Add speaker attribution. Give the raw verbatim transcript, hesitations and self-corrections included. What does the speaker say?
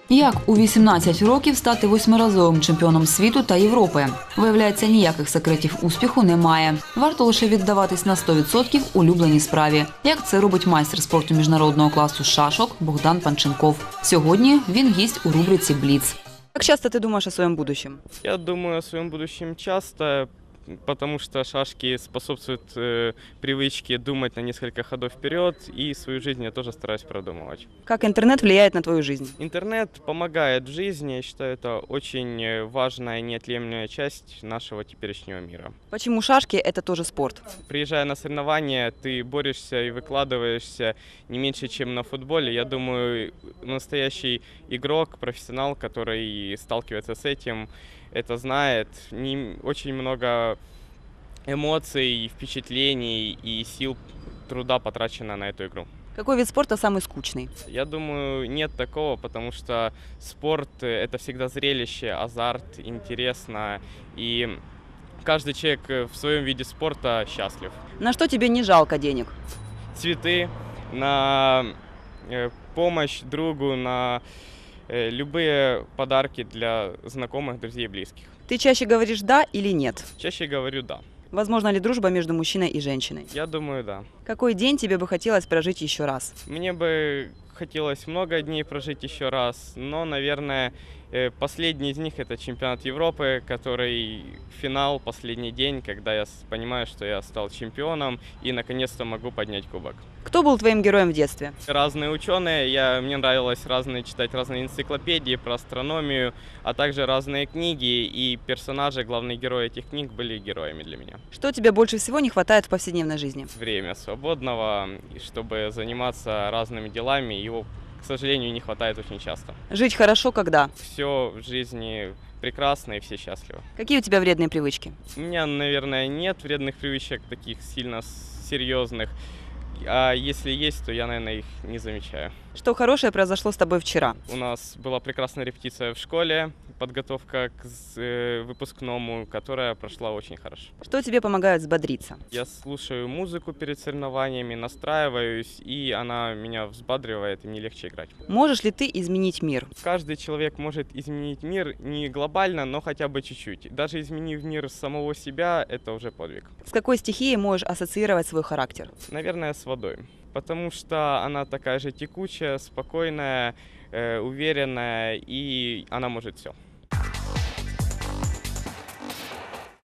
Speaker 1: Як у вісімнадцять років стати восьмиразовим чемпіоном світу та Європи? Виявляється, ніяких секретів успіху немає. Варто лише віддаватись на сто відсотків улюбленій справі. Як це робить майстер спорту міжнародного класу з шашок Богдан Панченков. Сьогодні він гість у рубриці «Бліц».
Speaker 2: Как часто ты думаешь о своем будущем?
Speaker 3: Я думаю о своем будущем часто, потому что шашки способствуют э, привычке думать на несколько ходов вперед, и свою жизнь я тоже стараюсь продумывать.
Speaker 2: Как интернет влияет на твою жизнь?
Speaker 3: Интернет помогает в жизни, я считаю, это очень важная, неотъемлемая часть нашего теперешнего мира.
Speaker 2: Почему шашки – это тоже спорт?
Speaker 3: Приезжая на соревнования, ты борешься и выкладываешься не меньше, чем на футболе. Я думаю, настоящий игрок, профессионал, который сталкивается с этим, это знает. Не, очень много эмоций, впечатлений и сил труда потрачено на эту игру.
Speaker 2: Какой вид спорта самый скучный?
Speaker 3: Я думаю, нет такого, потому что спорт – это всегда зрелище, азарт, интересно. И каждый человек в своем виде спорта счастлив.
Speaker 2: На что тебе не жалко денег?
Speaker 3: Цветы, на э, помощь другу, на э, любые подарки для знакомых, друзей и близких.
Speaker 2: Ты чаще говоришь «да» или «нет»?
Speaker 3: Чаще говорю «да».
Speaker 2: Возможно ли дружба между мужчиной и женщиной?
Speaker 3: Я думаю, да.
Speaker 2: Какой день тебе бы хотелось прожить еще раз?
Speaker 3: Мне бы хотелось много дней прожить еще раз, но, наверное, э, последний из них – это чемпионат Европы, который финал, последний день, когда я с- понимаю, что я стал чемпионом и наконец-то могу поднять кубок.
Speaker 2: Кто был твоим героем в детстве?
Speaker 3: Разные ученые, я, мне нравилось разные, читать разные энциклопедии про астрономию, а также разные книги, и персонажи, главные герои этих книг были героями для меня.
Speaker 2: Что тебе больше всего не хватает в повседневной жизни?
Speaker 3: Время свободного, и чтобы заниматься разными делами, его, к сожалению, не хватает очень часто.
Speaker 2: Жить хорошо когда?
Speaker 3: Все в жизни прекрасно и все счастливы.
Speaker 2: Какие у тебя вредные привычки?
Speaker 3: У меня, наверное, нет вредных привычек таких сильно с- серьезных, а если есть, то я, наверное, их не замечаю.
Speaker 2: Что хорошее произошло с тобой вчера?
Speaker 3: У нас была прекрасная репетиция в школе, подготовка к з- э, выпускному, которая прошла очень хорошо.
Speaker 2: Что тебе помогает взбодриться?
Speaker 3: Я слушаю музыку перед соревнованиями, настраиваюсь, и она меня взбадривает, и мне легче играть.
Speaker 2: Можешь ли ты изменить мир?
Speaker 3: Каждый человек может изменить мир не глобально, но хотя бы чуть-чуть. Даже изменив мир самого себя, это уже подвиг.
Speaker 2: С какой стихией можешь ассоциировать свой характер?
Speaker 3: Наверное, с водой. Потому что она такая же текучая, спокойная, э, уверенная, и она может все.